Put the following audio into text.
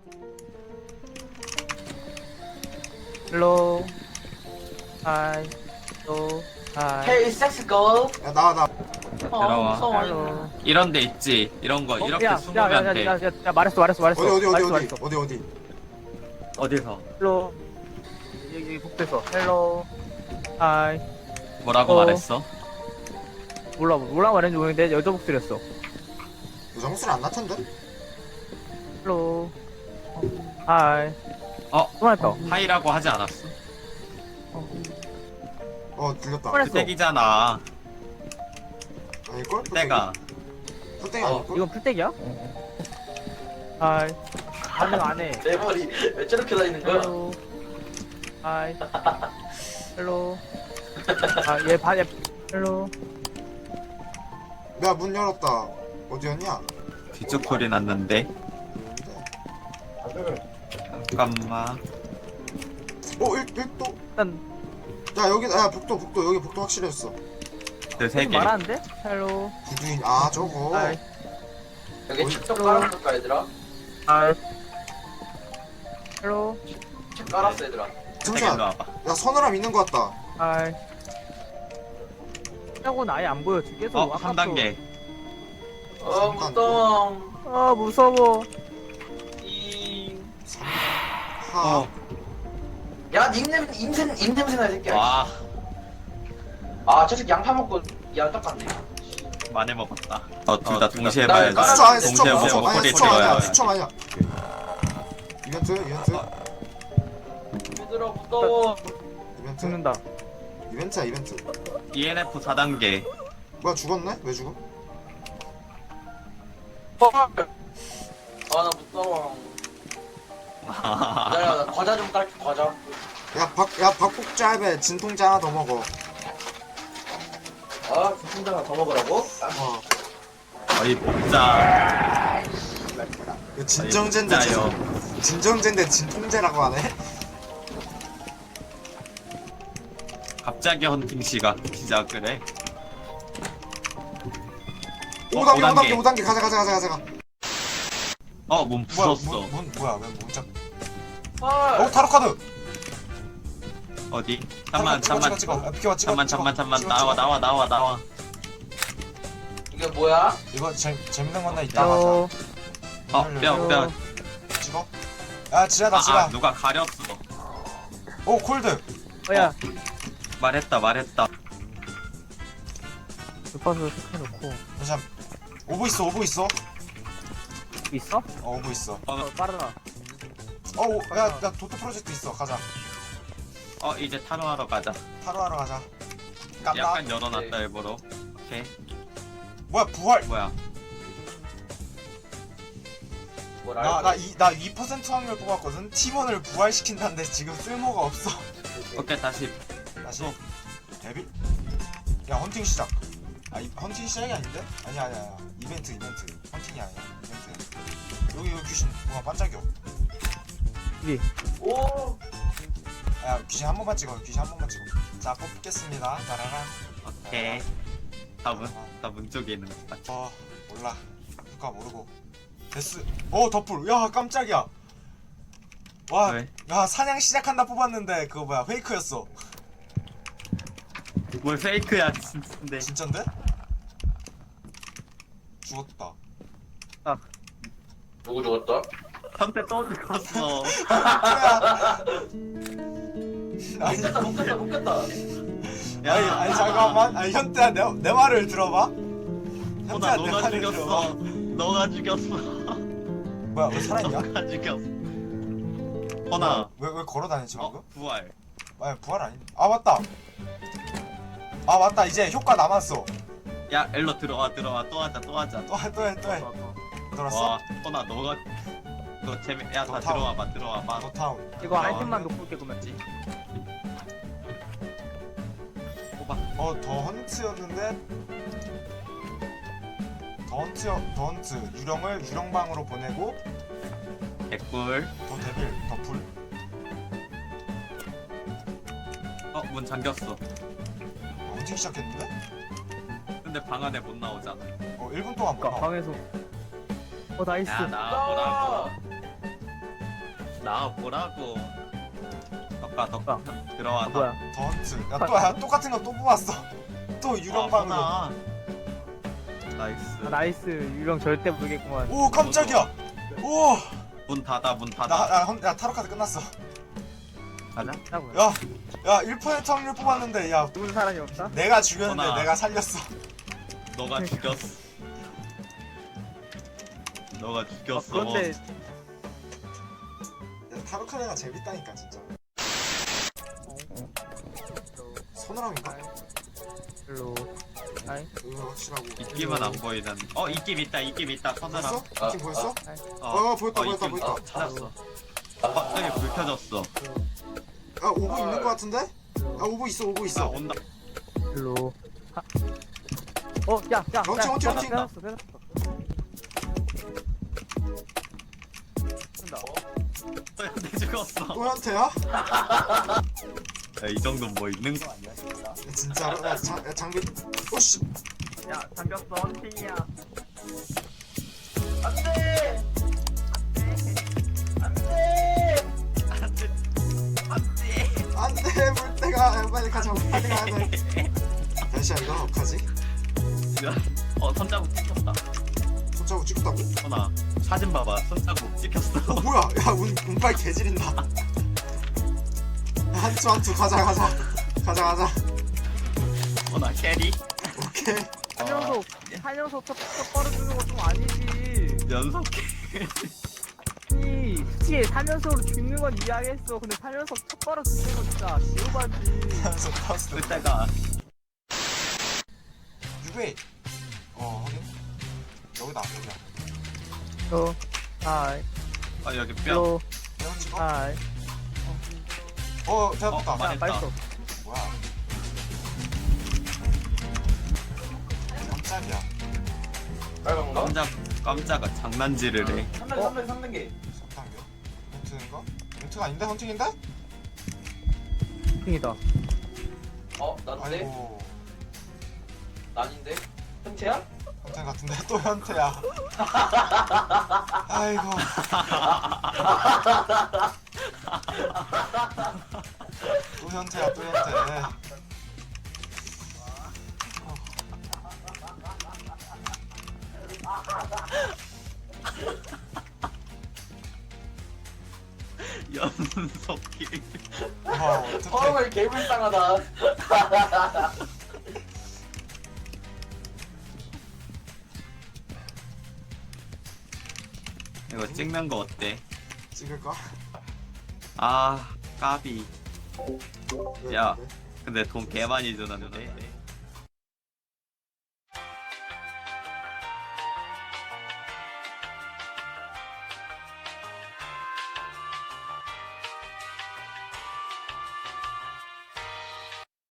헬로 하이 헬로 하이 헤이 섹스 걸. 야 나와. 들어와. 무서워. 헬로 이런 데 있지. 이런 거 이렇게 숨으면 돼. 야 말했어 어디. 어디서? 헬로 여기 복도에서 헬로 하이 뭐라고 말했어? 몰라 말했는지 모르겠는데 여자 목소리였어. 여자 목소리 안 났던데? 헬로 하이 또 말했다. 하이라고 하지 않았어? 들렸다. 그래. 그 땡이잖아. 아닐걸? 때가. 풀땡이 아닐걸? 이건 풀떼기야? 하이 반응 안해. 내 머리 왜 저렇게 다니는 거야? 헬로 하이 헬로 아얘 헬로 야 문 열었다. 어디였냐? 뒤쪽 소리 났는데. 잠깐만. 1도? 일단 야 여기 복도 여기 복도 확실했어. 그 세 개. 말하는데? 헬로 구두인 저거. 하이 여기 책좀 깔아볼까 얘들아? 하이 헬로 책 깔았어 얘들아. 세 개로 잠시만. 와봐. 야 서늘함 있는 것 같다. 하이 하고는 아예 안 보여 지금 계속 한 단계. 무서워. 아 무서워. 하. 야 입냄새 나 새끼야. 와, 저 새끼 양파 먹고 야 똑같네. 많이 먹었다. 둘 다 동시에 나 봐야지. 깔았어. 수초 아니야 동시에 보고 소리 들어야 수초 아니야. 이벤트. 얘들아 무서워. 죽는다. 이벤트야 이벤트. ENF 4단계. 뭐야 죽었네? 왜 죽어? 나 무서워. 나 과자 좀 깔게 과자. 야 박복잡에 진통제 하나 더 먹어. 진통제 더 먹으라고? 거의 복자. 이거 진정제인데 진짜요. 진정제인데 진통제라고 하네. 갑자기 헌팅 씨가 시작을 해. 5단계 가자. 문 부쉈어. 뭐야 왜 문짝? 헐. 타로 카드. 어디? 잠만. 찍어. 비켜봐 찍어. 잠만. 나와. 이게 뭐야? 이거 재밌는 건데 이따 하자. 헬로 뼈. 찍어. 야 지하다. 누가 가렸어. 오 콜드. 야 말했다. 주파수 체크해놓고 잠시만. 오브 있어. 있어? 오브 있어. 빠르다. 야 도토 프로젝트 있어. 가자. 이제 탄호하러 가자. 타로 하러 가자. 깜빡. 약간 열어놨다 일부러. 오케이. 뭐야 부활. 뭐야? 뭐라? 나 2% 확률 뽑았거든. 팀원을 부활시킨다는데 지금 쓸모가 없어. 오케이 다시. 다시 데빌? 야 헌팅 시작. 헌팅 시작이 아닌데? 아니야. 이벤트. 헌팅이 아니야. 이벤트. 여기 귀신 뭐가 반짝여. 오. 야 귀신 한 번만 찍어. 자 뽑겠습니다. 따라란. 오케이. 다문 쪽에 있는 거 같아. 몰라. 누가 모르고. 데스. 더풀. 야 깜짝이야. 와. 왜? 야 사냥 시작한다 뽑았는데 그거 뭐야 페이크였어. 뭘 페이크야 진짜인데. 진짠데? 죽었다. 누구 죽었다? 한대 또 죽었어. 아니 못 깼다. 아니 잠깐만. 현태야 내 말을 들어봐. 호나 현태야 내 너가 말을 죽였어. 들어봐. 너가 죽였어. 뭐야 왜 살아있냐? 너가 죽였어. 호나. 왜 걸어다니지 방금? 부활. 아니 부활 아니. 맞다. 이제 효과 남았어. 야 엘로 들어와 또 하자. 또 해. 들었어? 와 호나 너가 너 재미. 야다 너 타워. 들어와봐. 노타운. 이거 아이템만 놓고 올게 그러면. 뽑아. 더 헌트였는데. 더 헌트 유령을 유령방으로 보내고 개꿀. 더 데빌 더 풀. 문 잠겼어. 헌팅 시작했는데? 근데 방 안에 못 나오잖아. 1분 동안 못 그니까 나와. 방에서 나이스. 야 나 뭐라고. 나 보라고. 덕가 덕가. 들어와. 아, 뭐야? 더 헌트. 야 똑같은 거 또 뽑았어. 또 유령방으로. 나이스. 아, 나이스. 유령 절대 모르겠구만. 오 깜짝이야. 오. 문 닫아 문 닫아. 야 타로 카드 끝났어. 가자. 하고요. 야 1% 확률 뽑았는데 야 누군 사람이 없다? 내가 죽였는데 전화. 내가 살렸어. 너가 죽였어. 너가 죽였어. 그런데 야, 타로 카드가 재밌다니까 진짜. 서늘함인가? 별로. 아이. 이거 확실하고. 입김은 안 보이는. 입김 있다. 입김 있다. 보였어? 서늘함. 느낌 보였어? 보였다, 입김 보였다. 찾았어. 갑자기 불 켜졌어. 아 오브 있는 거 같은데? 아 오브 있어 오브 나 있어. 온다. 별로. 야. 멈춰. 빼놨어. 쓴다. 내 죽었어. 또 현태야? 야, 이 정도는 뭐 있는 거 아니야? 야, 진짜로? 야 장비. 오씨. 야, 잠겼어. 헌팅이야. 안돼. 안돼 물때가. 야, 빨리 가자. 빨리 가야 돼. 다시야 이건 어떡하지? 손자국 찍혔다. 손자국 찍었다고? 선아, 사진 봐봐. 손자국 찍혔어. 뭐야? 야 운빨 개지린다. 한투 가자. 선아, 캐리. 오케이. 사녀석 첫 벌어주는 거 좀 아니지. 연속 이 솔직히 3연속으로 죽는 건 이해하겠어. 근데 3연속 첫 벌어 죽는 건 진짜 개우바지. 연속 파스트. 그때가 유베. 확인. 여기다 여기야. 하이. 여기 뼈. 로 대형 찍어. 하이. 됐다. 어, 야, 맛있어. 뭐야? 깜짝이야. 빨간 거? 깜짝아 장난질을 해. 3단계. 3단계. 헌트인가? 헌트가 아닌데? 헌팅인데? 핑이다. 난데? 아이고. 난인데? 현태야? 헌팅 같은데 또 현태야. 아이고. 또 현태야 또 현태. 연속킬. 와 어떡해. 헐 개불쌍하다. 이거 찍는 거 어때? 찍을까? 아, 까비. 왜, 야. 왜? 근데 돈 개 많이 주는데.